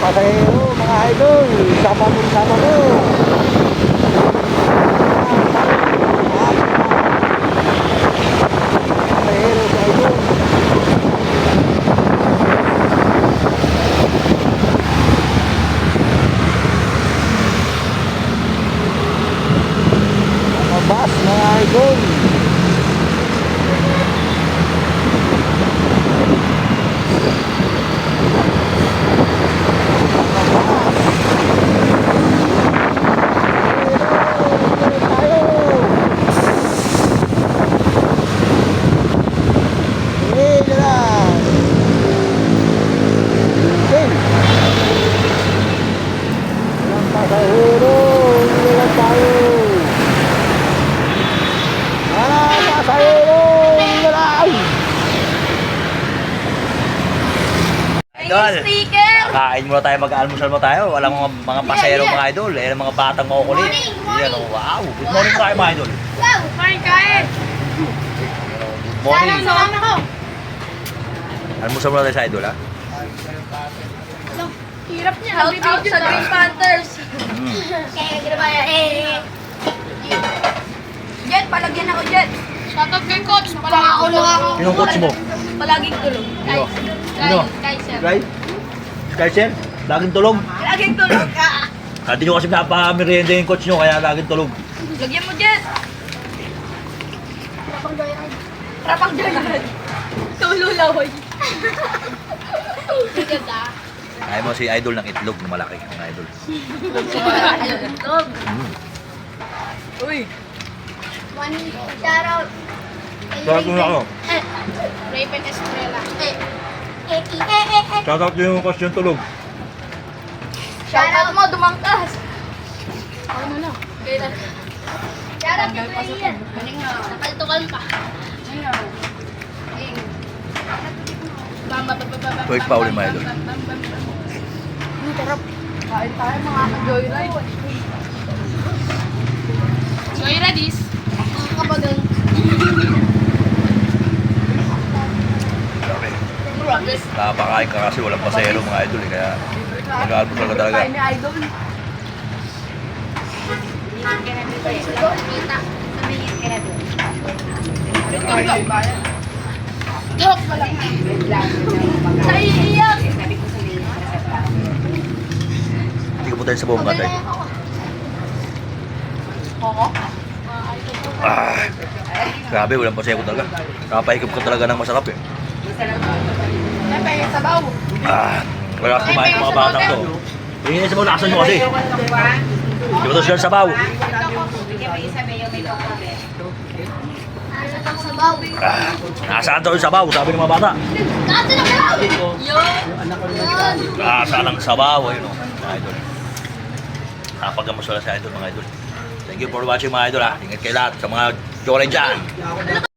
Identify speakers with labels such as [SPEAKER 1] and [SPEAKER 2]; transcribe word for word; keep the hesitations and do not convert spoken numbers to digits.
[SPEAKER 1] pasahero, mga idol. Sama mo, sama mo. Pasahero sa idol. Mga bus, mga idol. Pasahero, hindi lang tayo. Ah, pasahero, hindi lang.
[SPEAKER 2] Idol,
[SPEAKER 3] Sticker!
[SPEAKER 2] kain muna tayo, mag-almusal mo tayo. Walang mga, mga pasero
[SPEAKER 3] Yeah, yeah.
[SPEAKER 2] mga idol. Eh, mga batang makukulit.
[SPEAKER 3] Morning, morning.
[SPEAKER 2] Yan, oh, wow. Good morning tayo mga idol.
[SPEAKER 3] Wow! Kain, kain!
[SPEAKER 2] Good morning.
[SPEAKER 3] Sana naman ako!
[SPEAKER 2] Almusal muna tayo sa idol, ha?
[SPEAKER 3] Hirap niya. Shout out sa Green Panthers!
[SPEAKER 2] Mm.
[SPEAKER 3] Kaya ginawa eh. Jet, palagyan ako, Jet. Shout out kay Coach. Palagyan ko ako.
[SPEAKER 2] Sinong coach mo?
[SPEAKER 3] Palaging tulog.
[SPEAKER 2] Sino?
[SPEAKER 3] Kay,
[SPEAKER 2] Sino?
[SPEAKER 3] kay sir.
[SPEAKER 2] Sky? Sky, sir? Laging tulog.
[SPEAKER 3] Palaging tulog ka.
[SPEAKER 2] Hindi nyo kasi napamerienda yung coach nyo, kaya laging tulog.
[SPEAKER 3] Lagyan mo, Jet. Rapang joyride. Rapang joyride. Tululawoy. Sige ka.
[SPEAKER 2] Kaya mo si idol ng itlog na malaki, mga idol.
[SPEAKER 3] Itlog.
[SPEAKER 2] Mm.
[SPEAKER 3] Uy. One shout out.
[SPEAKER 2] Shout out ako.
[SPEAKER 3] Eh, Raven Estrella. Eh, eh, eh, eh, eh.
[SPEAKER 2] Shout out yung coach yung tulog.
[SPEAKER 3] Shout out mo, dumangkas. Ano na? Shout out kay Ian. Napaltukal pa.
[SPEAKER 2] Tuwig pa ulit, mga idol.
[SPEAKER 3] Ang sarap. Kain tayo mga ka-joyride. Joyride is? Makakabagal.
[SPEAKER 2] Grabe.
[SPEAKER 3] Grabe.
[SPEAKER 2] Nakapakain ka kasi walang pasero mga idol, eh, kaya mag-almusal ka talaga.
[SPEAKER 3] Kain ni Idol. Sarap pala. Sa iiyak.
[SPEAKER 2] Hindi ka punta sa buong katay.
[SPEAKER 3] Oo.
[SPEAKER 2] Ah, grabe, walang pasero talaga. Kapahigap ka talaga ng masarap eh.
[SPEAKER 3] Siyempre, sabaw.
[SPEAKER 2] Ah, wala ka kumain ng mga batang to. Hindi sa mga lakasan nyo kasi. Hindi ko to siya sabaw.
[SPEAKER 3] Sabaw.
[SPEAKER 2] Ah, nasaan daw yung sabaw, sabi ng mga bata.
[SPEAKER 3] Kaso na sabaw. Yun.
[SPEAKER 2] Nasaan ang sabaw, ayun o, mga idol. Nakapagamusala sa idol, mga idol. Thank you for watching mga idol ha. Ingat kayo lahat sa mga joray dyan.